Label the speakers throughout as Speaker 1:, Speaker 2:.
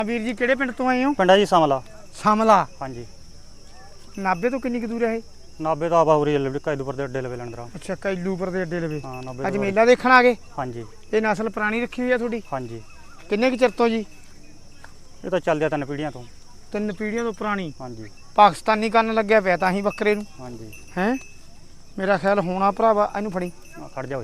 Speaker 1: ਵੀਰ ਜੀ ਕਿਹੜੇ ਪਿੰਡ ਤੋਂ ਆਏ ਹੋ?
Speaker 2: ਪਿੰਡਾ ਜੀ ਸਮਲਾ।
Speaker 1: ਸਮਲਾ।
Speaker 2: ਹਾਂਜੀ।
Speaker 1: ਨਾਭੇ ਤੋਂ ਕਿੰਨੀ ਕੁ ਦੂਰ ਹੈ ਇਹ?
Speaker 2: ਨਾਭੇ ਤੋਂ ਬਾਉਰੀ ਜੱਲੇ ਕੈਦੂਪੁਰ ਦੇ ਅੱਡੇ ਲਵੇ ਲੰਡਰਾ।
Speaker 1: ਅੱਛਾ, ਕੈਲੂਪੁਰ ਦੇ ਅੱਡੇ ਲਵੇ।
Speaker 2: ਹਾਂ, ਨਾਭੇ
Speaker 1: ਅੱਜ ਮੇਲਾ ਦੇਖਣ ਆ ਗਏ?
Speaker 2: ਹਾਂਜੀ।
Speaker 1: ਇਹ ਨਸਲ ਪੁਰਾਣੀ ਰੱਖੀ ਹੋਈ ਆ ਤੁਹਾਡੀ?
Speaker 2: ਹਾਂਜੀ।
Speaker 1: ਕਿੰਨੇ ਕੁ ਚਿਰ ਤੋਂ ਜੀ?
Speaker 2: ਇਹ ਤਾਂ ਚੱਲਦਿਆ 3 ਪੀੜ੍ਹੀਆਂ ਤੋਂ।
Speaker 1: 3 ਪੀੜ੍ਹੀਆਂ ਤੋਂ ਪੁਰਾਣੀ।
Speaker 2: ਹਾਂਜੀ।
Speaker 1: ਪਾਕਿਸਤਾਨੀ ਕੰਨ ਲੱਗਿਆ ਪਿਆ ਤਾਂ ਹੀ ਬੱਕਰੇ ਨੂੰ।
Speaker 2: ਹਾਂਜੀ।
Speaker 1: ਹੈ ਮੇਰਾ ਖਿਆਲ ਹੋਣਾ ਭਰਾਵਾ, ਇਹਨੂੰ ਫੜੀ
Speaker 2: ਖੜ ਜਾ ਓਏ।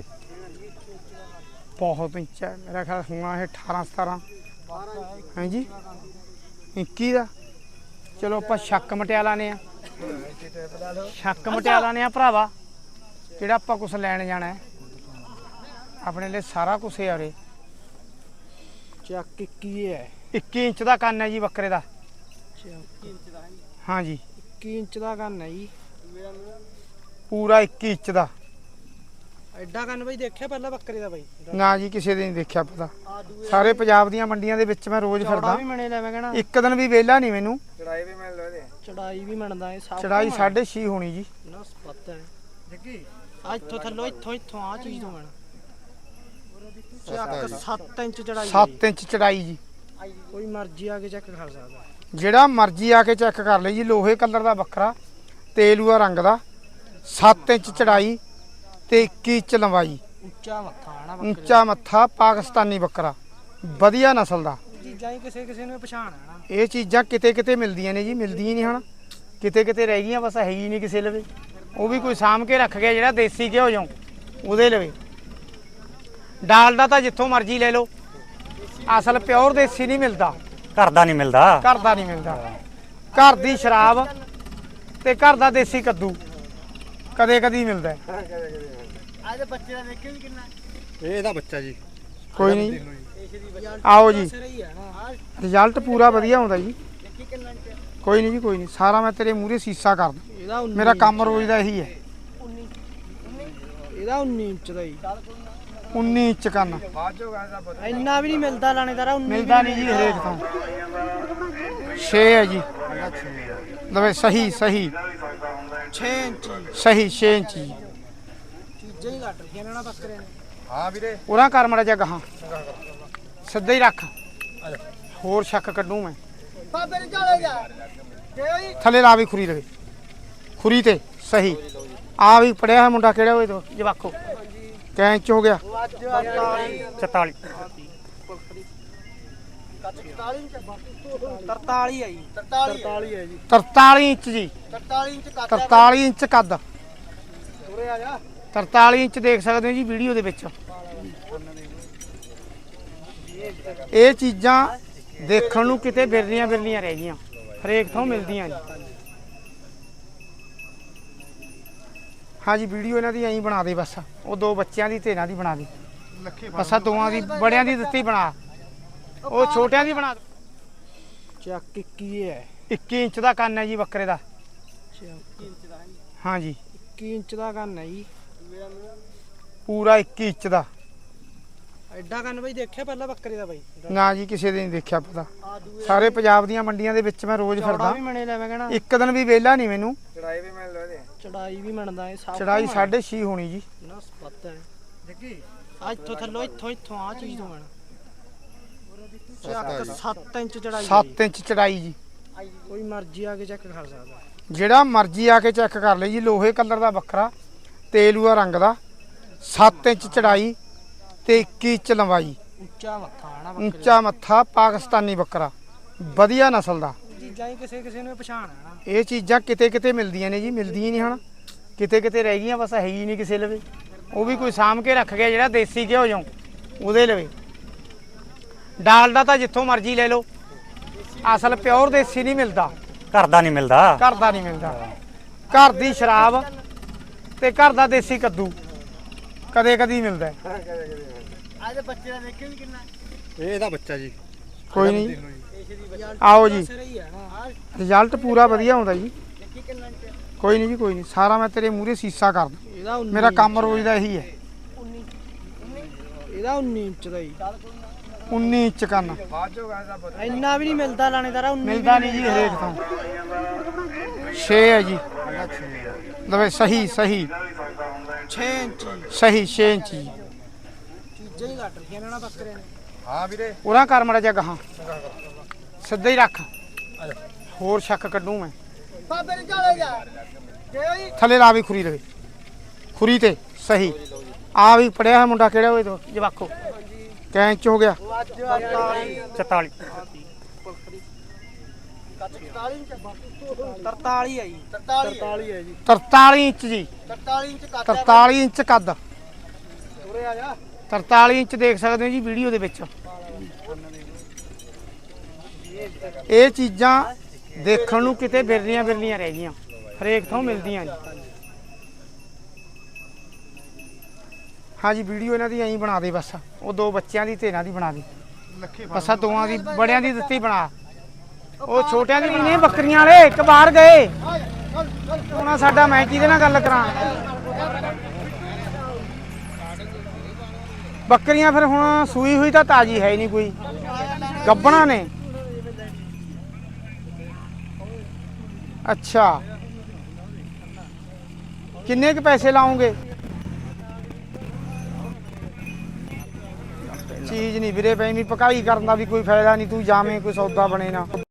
Speaker 1: ਬਹੁਤ ਉੱਚਾ ਮੇਰਾ ਖਿਆਲ ਹੋਣਾ ਇਹ 18 17 ਹੈ ਜੀ 21 ਦਾ। ਚਲੋ ਆਪਾਂ ਸ਼ੱਕ ਮਟਿਆ ਲਾਨੇ ਆ, ਸ਼ੱਕ ਮਟਿਆ ਲਾਨੇ ਆ ਭਰਾਵਾ। ਜਿਹੜਾ ਆਪਾਂ ਕੁਛ ਲੈਣ ਜਾਣਾ ਹੈ ਆਪਣੇ ਲਈ ਸਾਰਾ ਕੁਛ ਹੈ। ਉਰੇ
Speaker 3: ਚੱਕ 21 ਹੈ।
Speaker 1: 21 ਇੰਚ ਦਾ ਕੰਨ ਹੈ ਜੀ ਬੱਕਰੇ ਦਾ। ਹਾਂ ਜੀ
Speaker 3: 21 ਇੰਚ ਦਾ ਕੰਨ ਹੈ ਜੀ,
Speaker 1: ਪੂਰਾ 21 ਇੰਚ ਦਾ।
Speaker 3: ਐਡਾ ਕੰਨ ਬਈ ਦੇਖਿਆ ਪਹਿਲਾਂ ਬੱਕਰੇ ਦਾ ਬਈ?
Speaker 1: ਨਾ ਜੀ ਕਿਸੇ ਦੇ ਨਹੀਂ ਦੇਖਿਆ ਪਤਾ। ਸਾਰੇ ਪੰਜਾਬ ਦੀਆਂ ਮੰਡੀਆਂ ਦੇ ਵਿੱਚ ਮੈਂ ਰੋਜ਼ ਫਿਰਦਾ।
Speaker 3: ਵੀ ਮਣੇ ਲੈ ਮੈਂ ਕਹਿਣਾ
Speaker 1: ਇੱਕ ਦਿਨ ਵੀ ਵਿਹਲਾ ਨਹੀਂ ਮੈਨੂੰ।
Speaker 3: ਚੜਾਈ ਵੀ ਮਿਲ ਲੋ। ਚੜਾਈ ਵੀ ਮੰਨਦਾ ਇਹ ਸਭ।
Speaker 1: ਚੜਾਈ 6.5 ਹੋਣੀ ਜੀ।
Speaker 3: ਨਾ ਪਤਾ ਹੈ ਜੱਗੀ ਆ ਇੱਥੋਂ ਥੱਲੋਂ ਇੱਥੋਂ ਆ ਚੀਜ਼ ਤੋਂ ਮਣਾ ਚੱਕ 7 ਇੰਚ ਚੜਾਈ।
Speaker 1: 7 ਇੰਚ ਚੜਾਈ ਜੀ।
Speaker 3: ਕੋਈ ਮਰਜ਼ੀ ਆ ਕੇ ਚੈੱਕ ਕਰ ਸਕਦਾ।
Speaker 1: ਜਿਹੜਾ ਮਰਜ਼ੀ ਆ ਕੇ ਚੈੱਕ ਕਰ ਲਈ ਜੀ। ਲੋਹੇ ਕਲਰ ਦਾ ਬੱਕਰਾ, ਤੇਲੂਆ ਰੰਗ ਦਾ, 7 ਇੰਚ ਚੜਾਈ ਤੇ 21 ਇੰਚ ਲੰਬਾਈ।
Speaker 3: ਉੱਚਾ ਮੱਥਾ ਆਣਾ ਬੱਕਰੇ
Speaker 1: ਉੱਚਾ ਮੱਥਾ, ਪਾਕਿਸਤਾਨੀ ਬੱਕਰਾ, ਵਧੀਆ ਨਸਲ ਦਾ।
Speaker 3: ਚੀਜ਼ਾਂ ਹੀ ਕਿਸੇ ਨੂੰ ਪਛਾਣ ਆਣਾ।
Speaker 1: ਇਹ ਚੀਜ਼ਾਂ ਕਿਤੇ ਕਿਤੇ ਮਿਲਦੀਆਂ ਨੇ ਜੀ, ਮਿਲਦੀਆਂ ਨਹੀਂ ਹਨ। ਕਿਤੇ ਕਿਤੇ ਰਹਿ ਗਈਆਂ, ਬਸ ਹੈ ਹੀ ਨਹੀਂ ਕਿਸੇ ਲਵੇ। ਉਹ ਵੀ ਕੋਈ ਸਾਂਭ ਕੇ ਰੱਖ ਗਿਆ ਜਿਹੜਾ ਦੇਸੀ ਘਿਓ ਜਾਉ ਉਹਦੇ ਲਵੇ। ਡਾਲਡਾ ਤਾਂ ਜਿੱਥੋਂ ਮਰਜ਼ੀ ਲੈ ਲਓ, ਅਸਲ ਪਿਓਰ ਦੇਸੀ ਨਹੀਂ ਮਿਲਦਾ।
Speaker 2: ਘਰ ਦਾ ਨਹੀਂ ਮਿਲਦਾ।
Speaker 1: ਘਰ ਦਾ ਨਹੀਂ ਮਿਲਦਾ। ਘਰ ਦੀ ਸ਼ਰਾਬ ਤੇ ਘਰ ਦਾ ਦੇਸੀ ਕੱਦੂ ਕਦੇ ਕਦੀ ਮਿਲਦਾ।
Speaker 3: ਅੱਜ ਬੱਚੇ ਦਾ ਦੇਖਿਓ ਜੀ ਕਿੰਨਾ।
Speaker 4: ਇਹ ਇਹਦਾ ਬੱਚਾ ਜੀ।
Speaker 1: ਕੋਈ ਨਹੀਂ, ਆਓ ਜੀ।
Speaker 3: ਸਹੀ ਹੈ ਨਾ,
Speaker 1: ਰਿਜ਼ਲਟ ਪੂਰਾ ਵਧੀਆ ਆਉਂਦਾ ਜੀ। ਕੋਈ ਨਹੀਂ ਜੀ, ਕੋਈ ਨਹੀਂ। ਸਾਰਾ ਮੈਂ ਤੇਰੇ ਮੂਹਰੇ ਸੀਸਾ ਕਰਦਾ।
Speaker 3: ਇਹਦਾ 19
Speaker 1: ਮੇਰਾ ਕੰਮ ਰੋਜ਼ ਦਾ ਇਹੀ ਹੈ।
Speaker 3: ਇਹਦਾ 19 ਇੰਚ ਦਾ ਜੀ।
Speaker 1: 19 ਇੰਚ ਕੰਨ।
Speaker 3: ਇੰਨਾ ਵੀ ਨਹੀਂ ਮਿਲਦਾ ਲਾਣੇਦਾਰਾ। 19
Speaker 1: ਮਿਲਦਾ ਨਹੀਂ ਜੀ ਹਰੇਕ ਤੋਂ। 6 ਹੈ ਜੀ। ਲਵੇ ਸਹੀ ਸਹੀ
Speaker 3: 6 ਇੰਚ
Speaker 1: ਸਹੀ 6 ਇੰਚ ਜੀ।
Speaker 3: ਚੀਜ਼ਾਂ ਹੀ ਘੱਟ ਰੱਖੀਆਂ ਨੇ ਨਾ ਬੱਕਰੇ ਨੇ।
Speaker 4: ਹਾਂ ਵੀਰੇ।
Speaker 1: ਉਹਨਾਂ ਕਰ ਮੜਾ ਜਾ ਗਾਹਾਂ ਸਿੱਧਾ ਹੀ ਰੱਖ। ਹੋਰ ਸ਼ੱਕ ਕੱਢੂ ਮੈਂ।
Speaker 3: ਬਾਬੇ ਨੇ ਚਲੇ ਗਿਆ
Speaker 1: ਥੱਲੇ ਲਾ ਵੀ ਖੁਰੀ ਲਵੇ, ਖੁਰੀ ਤੇ ਸਹੀ। ਆ ਵੀ ਪੜਿਆ ਹੈ ਮੁੰਡਾ ਕਿਹੜਾ ਹੋਏ ਤੋਂ ਜਵਾਖੋ ਕੈਂਚ ਹੋ ਗਿਆ
Speaker 2: 44।
Speaker 3: 43 ਹੈ ਜੀ। 43 ਹੈ ਜੀ।
Speaker 1: 43 ਇੰਚ ਜੀ।
Speaker 3: 43 ਇੰਚ ਕੱਦ।
Speaker 1: 43 ਇੰਚ ਕੱਦ।
Speaker 3: ਉਰੇ ਆ ਜਾ।
Speaker 1: 43 ਇੰਚ ਦੇਖ ਸਕਦੇ ਹੋ ਜੀ ਵੀਡੀਓ ਦੇ ਵਿੱਚ। ਇਹ ਚੀਜ਼ਾਂ ਦੇਖਣ ਨੂੰ ਕਿਤੇ ਬਿਰਲੀਆਂ ਬਿਰਲੀਆਂ ਰਹਿ ਗਈਆਂ, ਹਰੇਕ ਥਾਂ ਮਿਲਦੀਆਂ ਜੀ। ਹਾਂ ਜੀ, ਵੀਡੀਓ ਇਹਨਾਂ ਦੀ ਐਂ ਬਣਾ ਦੇ ਬਸ। ਉਹ 2 ਬੱਚਿਆਂ ਦੀ ਤੇ ਇਹਨਾਂ ਦੀ ਬਣਾ ਦੇ ਬਸ। ਆ ਦੋਵਾਂ ਦੀ, ਬੜਿਆਂ ਦੀ ਦਿੱਤੀ ਬਣਾ, ਉਹ ਛੋਟਿਆਂ ਦੀ ਬਣਾ।
Speaker 3: ਚੱਕ 21 ਹੈ।
Speaker 1: 21 ਇੰਚ ਦਾ ਕੰਨ ਹੈ ਜੀ ਬੱਕਰੇ ਦਾ। ਹਾਂ ਜੀ
Speaker 3: 21 ਇੰਚ ਦਾ ਕੰਨ ਹੈ ਜੀ,
Speaker 1: ਪੂਰਾ 21 ਇੰਚ ਦਾ।
Speaker 3: ਐਡਾ ਕੰਨ ਬਈ ਦੇਖਿਆ ਪਹਿਲਾਂ ਬੱਕਰੇ ਦਾ ਬਈ?
Speaker 1: ਨਾ ਜੀ ਕਿਸੇ ਦੇ ਨਹੀਂ ਦੇਖਿਆ ਪਤਾ। ਸਾਰੇ ਪੰਜਾਬ ਦੀਆਂ ਮੰਡੀਆਂ ਦੇ ਵਿੱਚ ਮੈਂ ਰੋਜ਼ ਫਿਰਦਾ।
Speaker 3: ਵੀ ਮਣੇ ਲੈ ਮੈਂ ਕਹਿਣਾ
Speaker 1: ਇੱਕ ਦਿਨ ਵੀ ਵਿਹਲਾ ਨਹੀਂ ਮੈਨੂੰ।
Speaker 4: ਚੜਾਈ ਵੀ ਮਿਲ ਲੋ।
Speaker 3: ਚੜਾਈ ਵੀ ਮੰਨਦਾ ਇਹ ਸਭ।
Speaker 1: ਚੜਾਈ 6.5 ਹੋਣੀ ਜੀ।
Speaker 3: ਨਾ ਪਤਾ ਹੈ ਜੱਗੀ ਆ ਇੱਥੋਂ ਥੱਲੋਂ ਇੱਥੋਂ ਆ ਚੀਜ਼ ਤੋਂ ਮਣਾ ਚੱਕ 7 ਇੰਚ ਚੜਾਈ।
Speaker 1: 7 ਇੰਚ ਚੜਾਈ ਜੀ।
Speaker 3: ਕੋਈ ਮਰਜ਼ੀ ਆ ਕੇ ਚੈੱਕ ਕਰ ਸਕਦਾ।
Speaker 1: ਜਿਹੜਾ ਮਰਜ਼ੀ ਆ ਕੇ ਚੈੱਕ ਕਰ ਲਈ ਜੀ। ਲੋਹੇ ਕਲਰ ਦਾ ਬੱਕਰਾ, ਤੇਲੂਆ ਰੰਗ ਦਾ, 7 ਇੰਚ ਚੜਾਈ ਤੇ 21 ਇੰਚ ਲੰਬਾਈ।
Speaker 3: ਉੱਚਾ ਮੱਥਾ ਆਣਾ ਬੱਕਰੇ
Speaker 1: ਉੱਚਾ ਮੱਥਾ, ਪਾਕਿਸਤਾਨੀ ਬੱਕਰਾ, ਵਧੀਆ ਨਸਲ ਦਾ।
Speaker 3: ਚੀਜ਼ਾਂ ਹੀ ਕਿਸੇ ਨੂੰ ਪਛਾਣ ਆਣਾ।
Speaker 1: ਇਹ ਚੀਜ਼ਾਂ ਕਿਤੇ ਕਿਤੇ ਮਿਲਦੀਆਂ ਨੇ ਜੀ, ਮਿਲਦੀਆਂ ਨਹੀਂ ਹਨ। ਕਿਤੇ ਕਿਤੇ ਰਹਿ ਗਈਆਂ, ਬਸ ਹੈ ਹੀ ਨਹੀਂ ਕਿਸੇ ਲਵੇ। ਉਹ ਵੀ ਕੋਈ ਸਾਂਭ ਕੇ ਰੱਖ ਗਿਆ ਜਿਹੜਾ ਦੇਸੀ ਘਿਓ ਜਾਉ ਉਹਦੇ ਲਵੇ। ਡਾਲਡਾ ਤਾਂ ਜਿੱਥੋਂ ਮਰਜ਼ੀ ਲੈ ਲਓ, ਅਸਲ ਪਿਓਰ ਦੇਸੀ ਨਹੀਂ ਮਿਲਦਾ।
Speaker 2: ਘਰ ਦਾ ਨਹੀਂ ਮਿਲਦਾ।
Speaker 1: ਘਰ ਦਾ ਨਹੀਂ ਮਿਲਦਾ। ਘਰ ਦੀ ਸ਼ਰਾਬ ਤੇ ਘਰ ਦਾ ਦੇਸੀ ਕੱਦੂ ਕਦੇ ਕਦੀ ਮਿਲਦਾ।
Speaker 3: ਅੱਜ ਬੱਚੇ ਦਾ ਦੇਖਿਓ ਜੀ ਕਿੰਨਾ।
Speaker 4: ਇਹ ਇਹਦਾ ਬੱਚਾ ਜੀ।
Speaker 1: ਕੋਈ ਨਹੀਂ, ਆਓ ਜੀ।
Speaker 3: ਸਹੀ ਹੈ ਨਾ,
Speaker 1: ਰਿਜ਼ਲਟ ਪੂਰਾ ਵਧੀਆ ਆਉਂਦਾ ਜੀ। ਕੋਈ ਨਹੀਂ ਜੀ, ਕੋਈ ਨਹੀਂ। ਸਾਰਾ ਮੈਂ ਤੇਰੇ ਮੂਹਰੇ ਸੀਸਾ ਕਰਦਾ।
Speaker 3: ਇਹਦਾ 19
Speaker 1: ਮੇਰਾ ਕੰਮ ਰੋਜ਼ ਦਾ ਇਹੀ ਹੈ।
Speaker 3: ਇਹਦਾ 19 ਇੰਚ ਦਾ ਜੀ।
Speaker 1: 19 ਇੰਚ ਕੰਨ।
Speaker 3: ਇੰਨਾ ਵੀ ਨਹੀਂ ਮਿਲਦਾ ਲਾਣੇਦਾਰਾ। 19
Speaker 1: ਮਿਲਦਾ ਨਹੀਂ ਜੀ ਹਰੇਕ ਤੋਂ। 6 ਹੈ ਜੀ। ਲਵੇ ਸਹੀ ਸਹੀ
Speaker 3: 6 ਇੰਚ
Speaker 1: ਸਹੀ 6 ਇੰਚ ਜੀ।
Speaker 3: ਚੀਜ਼ਾਂ ਹੀ ਘੱਟ ਰੱਖੀਆਂ ਨੇ ਨਾ ਬੱਕਰੇ ਨੇ।
Speaker 4: ਹਾਂ ਵੀਰੇ।
Speaker 1: ਉਹਨਾਂ ਕਰ ਮੜਾ ਜਾ ਗਾਹਾਂ ਸਿੱਧਾ ਹੀ ਰੱਖ ਹੋਰ ਸ਼ੱਕ ਕੱਢੂ ਮੈਂ
Speaker 3: ਬਾਬੇ ਨੇ ਚਾਲੇ ਜਾ ਗਏ
Speaker 1: ਥੱਲੇ ਲਾ ਵੀ ਖੁਰੀ ਲਵੇ ਖੁਰੀ ਤੇ ਸਹੀ ਆ ਵੀ ਪੜਿਆ ਹੋਇਆ ਮੁੰਡਾ ਕਿਹੜਾ ਹੋਏ ਤੋ ਜਵਾਖੋ ਕੈਂਚ ਹੋ ਗਿਆ
Speaker 2: 44
Speaker 3: 43 ਹੈ ਜੀ 43 ਹੈ ਜੀ
Speaker 1: 43 ਇੰਚ ਜੀ
Speaker 3: 43 ਇੰਚ ਕੱਟ
Speaker 1: 43 ਇੰਚ ਕੱਦ
Speaker 3: ਉਰੇ ਆ ਜਾ
Speaker 1: 43 ਇੰਚ ਦੇਖ ਸਕਦੇ ਹੋ ਜੀ ਵੀਡੀਓ ਦੇ ਵਿੱਚ ਇਹ ਚੀਜ਼ਾਂ ਦੇਖਣ ਨੂੰ ਕਿਤੇ ਬਿਰਲੀਆਂ ਬਿਰਲੀਆਂ ਰਹਿ ਗਈਆਂ ਹਰੇਕ ਥਾਂ ਮਿਲਦੀਆਂ ਜੀ ਹਾਂਜੀ ਵੀਡੀਓ ਇਹਨਾਂ ਦੀ ਐਂ ਬਣਾ ਦੇ ਬਸ ਉਹ ਦੋ ਬੱਚਿਆਂ ਦੀ ਤੇ ਇਹਨਾਂ ਦੀ ਬਣਾ ਦੇ ਬਸ ਆਹ ਦੋਵਾਂ ਦੀ ਬੜਿਆਂ ਦੀ ਦਿੱਤੀ ਬਣਾ ਉਹ ਛੋਟਿਆਂ ਦੀ ਨਹੀਂ ਬੱਕਰੀਆਂ ਵਾਲੇ ਇੱਕ ਬਾਹਰ ਗਏ ਉਹਨਾਂ ਸਾਡਾ ਮੈਂ ਕਿਹਦੇ ਨਾਲ ਗੱਲ ਕਰਾਂ ਬੱਕਰੀਆਂ ਫਿਰ ਹੁਣ ਸੂਈ ਹੋਈ ਤਾਂ ਤਾਜੀ ਹੈ ਹੀ ਨਹੀਂ ਕੋਈ ਗੱਬਣਾ ਨੇ ਅੱਛਾ ਕਿੰਨੇ ਕੁ ਪੈਸੇ ਲਾਉਂਗੇ ਚੀਜ਼ ਨਹੀਂ ਵੀਰੇ ਪੈਂਦੀ ਪਕਾਈ ਕਰਨ ਦਾ ਵੀ ਕੋਈ ਫਾਇਦਾ ਨਹੀਂ ਤੂੰ ਜਾਵੇਂ ਕੋਈ ਸੌਦਾ ਬਣੇ ਨਾ